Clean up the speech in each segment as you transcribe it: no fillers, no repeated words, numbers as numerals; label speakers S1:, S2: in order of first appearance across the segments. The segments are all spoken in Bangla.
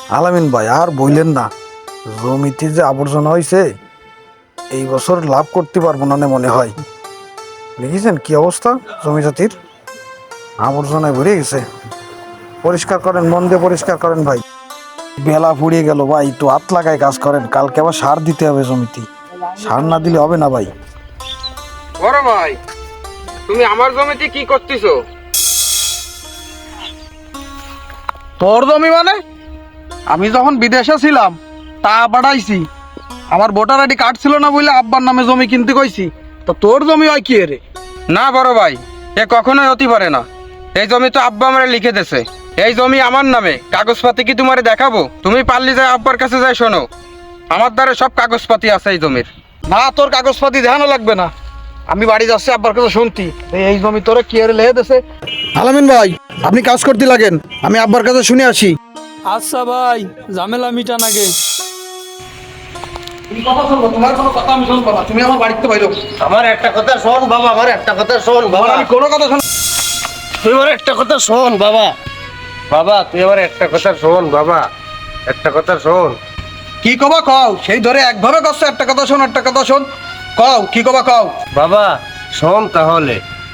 S1: আলামিন ভাই আর বইলেন না, জমিতে যে আবর্জনা হয়েছে এই বছর লাভ করতে পারবো না মনে হয়। দেখেছেন কি অবস্থা, জমি জাতির আবর্জনায় ভরে গেছে। পরিষ্কার করেন, মন দিয়ে পরিষ্কার করেন ভাই। বেলা ফুরিয়ে গেল ভাই, একটু হাত লাগায় কাজ করেন, কালকে আবার সার দিতে হবে জমিতে। সার না দিলে হবে না ভাই।
S2: বড় ভাই, তুমি আমার জমিতে কি করতেছো?
S3: তোর জমি মানে? আমি যখন বিদেশে ছিলাম তা বাড়াইছি, আমার ভোটার আইডি কার্ড ছিল না বলে আব্বার নামে জমি কিনতে কইছি। তো তোর জমি হয় কি রে?
S2: না বড় ভাই, এ কখনোই হতে পারে না। এই জমি তো আব্বা আমারে লিখে দিয়েছে। এই জমি আমার নামে, কাগজপাতি কি তোমারে দেখাবো? তুমি পারলি যাই আব্বার কাছে যাই, শোনো আমার দ্বারা সব কাগজপাতি আছে এই জমির।
S3: না, তোর কাগজপাতি দেখানো লাগবে না, আমি বাড়ি যাচ্ছি আব্বার কাছে শুনতি এই জমি তোরে কি রে লেহে দেছে। আলামিন ভাই, আপনি কাজ করতে লাগেন, আমি আব্বার কাছে শুনে আসি।
S4: আচ্ছা ভাই, ঝামেলা মিটান আগে।
S3: তোমার কোনো কথা আমি শুনবো না, তুমি আমার বাড়িতে বাইরো।
S5: আমার একটা কথা শোন বাবা, আমার একটা কথা শোন বাবা,
S3: আমি কোনো কথা শুন।
S5: তুই আমার একটা কথা শোন বাবা, বাবা তুই আমার একটা কথা শোন বাবা, একটা কথা শোন।
S3: কি কবা কও, সেই ধরে একভাবে করছো, একটা কথা শোন একটা কথা শোন, কও কি কবা কও।
S5: বাবা শোন তাহলে।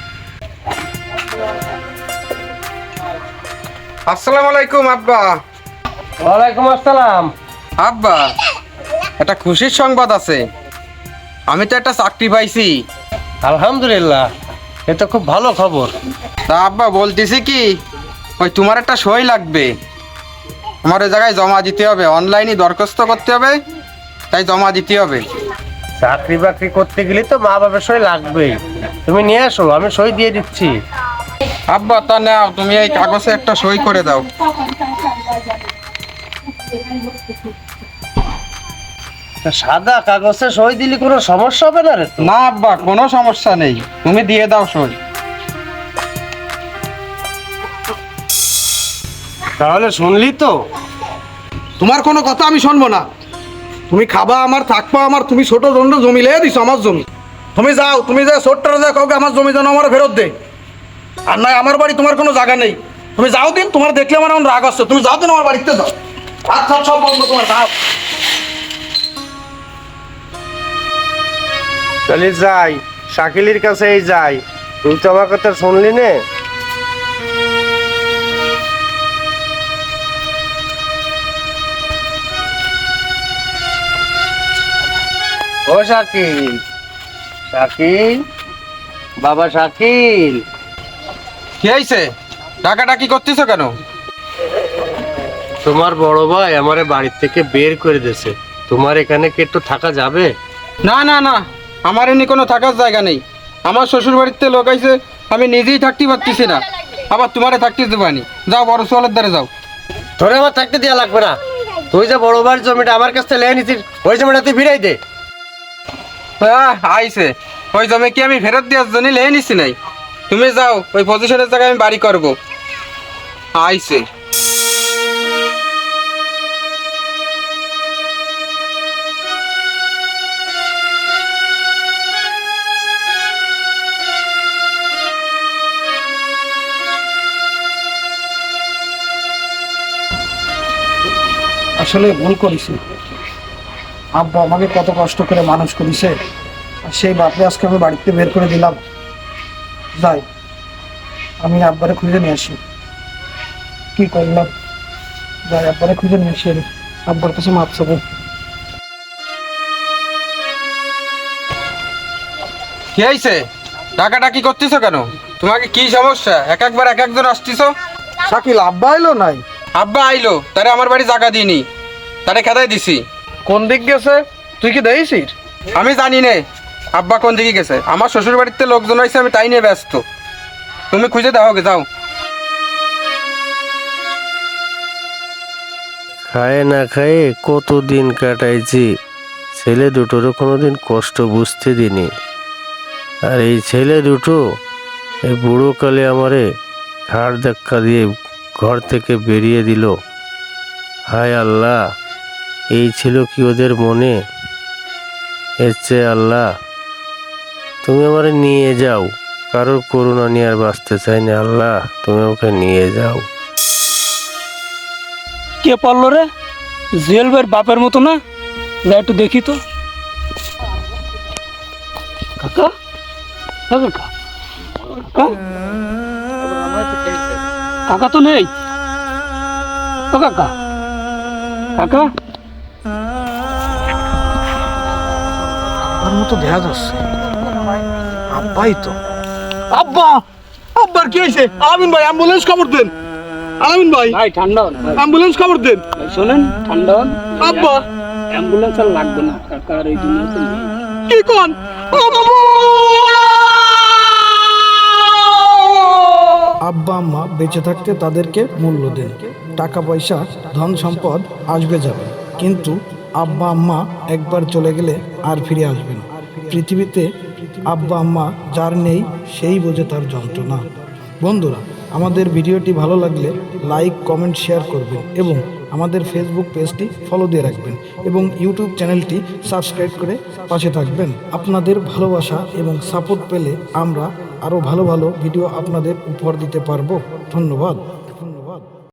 S2: আসসালামু আলাইকুম আব্বা।
S5: ওয়ালাইকুম আসসালাম।
S2: আব্বা, একটা খুশির সংবাদ আছে। আমি তো একটা চাকরি পাইছি।
S5: আলহামদুলিল্লাহ, এ তো খুব ভালো খবর।
S2: তা আব্বা বলতেছি কি, ওই তোমার একটা সই লাগবে। আমার ওই জায়গায় জমা দিতে হবে, অনলাইনে দরখাস্ত করতে হবে, তাই জমা দিতে হবে।
S5: চাকরি বাকরি করতে গেলে তো মা বাবার সই লাগবেই, তুমি নিয়ে আসো, আমি সই দিয়ে দিচ্ছি।
S2: আব্বা তা নাও, তুমি এই কাগজে একটা সই করে দাও।
S5: তা সাদা কাগজে সই দিলে কোনো সমস্যা হবে না রে তো?
S2: না আব্বা, কোনো সমস্যা নেই, তুমি দিয়ে দাও সই।
S5: তাহলে শুনলি তো?
S3: তোমার কোনো কথা আমি শুনবো না। তুমি খাবা আমার, থাকবা আমার, তুমি ছোট দণ্ড জমি লেগে দিছো আমার জমি। তুমি যাও, তুমি যা ছোট্টরা যা কাউকে আমার জমি যেন আমার ফেরত দে। আর নয় আমার বাড়ি তোমার কোনো জায়গা নেই। তুমি যাও দিন, তোমার দেখলে আমার এখন রাগ আসছে, তুমি যাও দিন আমার বাড়িতে যাও। আচ্ছা সব বন্ধ তোমার, যাও।
S5: চলে যাই, শাকিলের কাছেই যাই। তুই তো আমার কথা শুনলি নে। ও শাকিল, শাকিল, বাবা শাকিল।
S2: কি হয়েছে, ডাকাডাকি করতেছো কেন?
S5: তোমার বড় ভাই আমারে বাড়ির থেকে বের করে দিয়েছে, তোমার এখানে কি একটু থাকা যাবে?
S2: না না না, আমার এমনি কোনো থাকার জায়গা নেই। আমার শ্বশুর বাড়িতে লোক আইছে, আমি নিজেই থাকতে পারতেছি না, আবার তোমারে থাকতে দেবানি। যাও বড় সোয়ালের দ্বারে যাও।
S5: ধরে আমার থাকতে দেওয়া লাগবে না, তুই যে বড় ভাইয়ের জমিটা আমার কাছ থেকে লেগে নিছিস, ওই জমিটা তুই ফিরাই দে।
S2: আইছে, ওই জমি কি আমি ফেরত দেওয়ার জন্য লেহে নিছি নাই? তুমি যাও, ওই পজিশনের জায়গায় আমি বাড়ি করবো। আইছে।
S3: আসলে ভুল করেছি। আব্বা আমাকে কত কষ্ট করে মানুষ করেছে, আর সেই বাপরে আজকে আমি বাড়িতে বের করে দিলাম। যাই, আমি আব্বারে খুঁজে নিয়ে আসি। কি করলাম, যাই আব্বারে খুঁজে নিয়ে আসি, আব্বার কাছে মাপ চাবো।
S2: কি হয়েছে, ডাকাডাকি করতেছো কেন? তোমাকে কি সমস্যা, একবার এক একজন আসতেছো?
S3: শাকিল, আব্বা এলো নাই?
S2: আব্বা আইলো, তারে আমার বাড়ি জায়গা দিইনি, তারে খেদাই দিছি।
S3: কোন দিক গেছে তুই কি দেখছিস?
S2: আমি জানি নে আব্বা কোন দিকে গেছে। আমার শ্বশুর বাড়িতে লোকজন হয়েছে, আমি তাই নিয়ে ব্যস্ত। তুমি খুঁজে দাও, যাও।
S5: খায় না খায়ে কতদিন কাটাইছি, ছেলে দুটোরও কোনোদিন কষ্ট বুঝতে দিনি। আর এই ছেলে দুটো এই বুড়োকালে আমারে ঘাড় ধাক্কা দিয়ে ঘর থেকে বেরিয়ে দিল। হায় আল্লাহ, এই ছিল কি ওদের মনে? এর চেয়ে আল্লাহ তুমি আমারে নিয়ে যাও, কারোর করুণা নিয়ে আর বাঁচতে চাই না। আল্লাহ তুমি ওকে নিয়ে যাও।
S4: কে পড়লো রে? জুয়েল ভাইয়ের বাপের মতো না? যা একটু দেখি তো। কাকা, কাকা, কাকা, কাকা তো নেই। ও কাকা, কাকা,
S1: আমার মতো দেখা যাচ্ছে, আব্বাই তো।
S3: আব্বা, আব্বার কি হয়েছে? আলামিন ভাই অ্যাম্বুলেন্স খবর দেন। আলামিন ভাই
S4: ভাই ঠান্ডা হন ভাই।
S3: অ্যাম্বুলেন্স খবর দেন।
S4: ভাই শোনেন, ঠান্ডা হন।
S3: আব্বা
S4: অ্যাম্বুলেন্স আর লাগবে না, কাকার এই দুনিয়াতে নেই।
S3: কি কোন?
S1: আব্বা আম্মা বেঁচে থাকতে তাদেরকে মূল্য দেন। টাকা পয়সা ধন সম্পদ আসবে যাবে, কিন্তু আব্বা আম্মা একবার চলে গেলে আর ফিরে আসবে না। পৃথিবীতে আব্বা আম্মা যার নেই সেই বোঝে তার যন্ত্রণা। বন্ধুরা, আমাদের ভিডিওটি ভালো লাগলে লাইক কমেন্ট শেয়ার করবেন এবং আমাদের ফেসবুক পেজটি ফলো দিয়ে রাখবেন এবং ইউটিউব চ্যানেলটি সাবস্ক্রাইব করে পাশে থাকবেন। আপনাদের ভালোবাসা এবং সাপোর্ট পেলে আমরা আরও ভালো ভালো ভিডিও আপনাদের উপহার দিতে পারবো। ধন্যবাদ।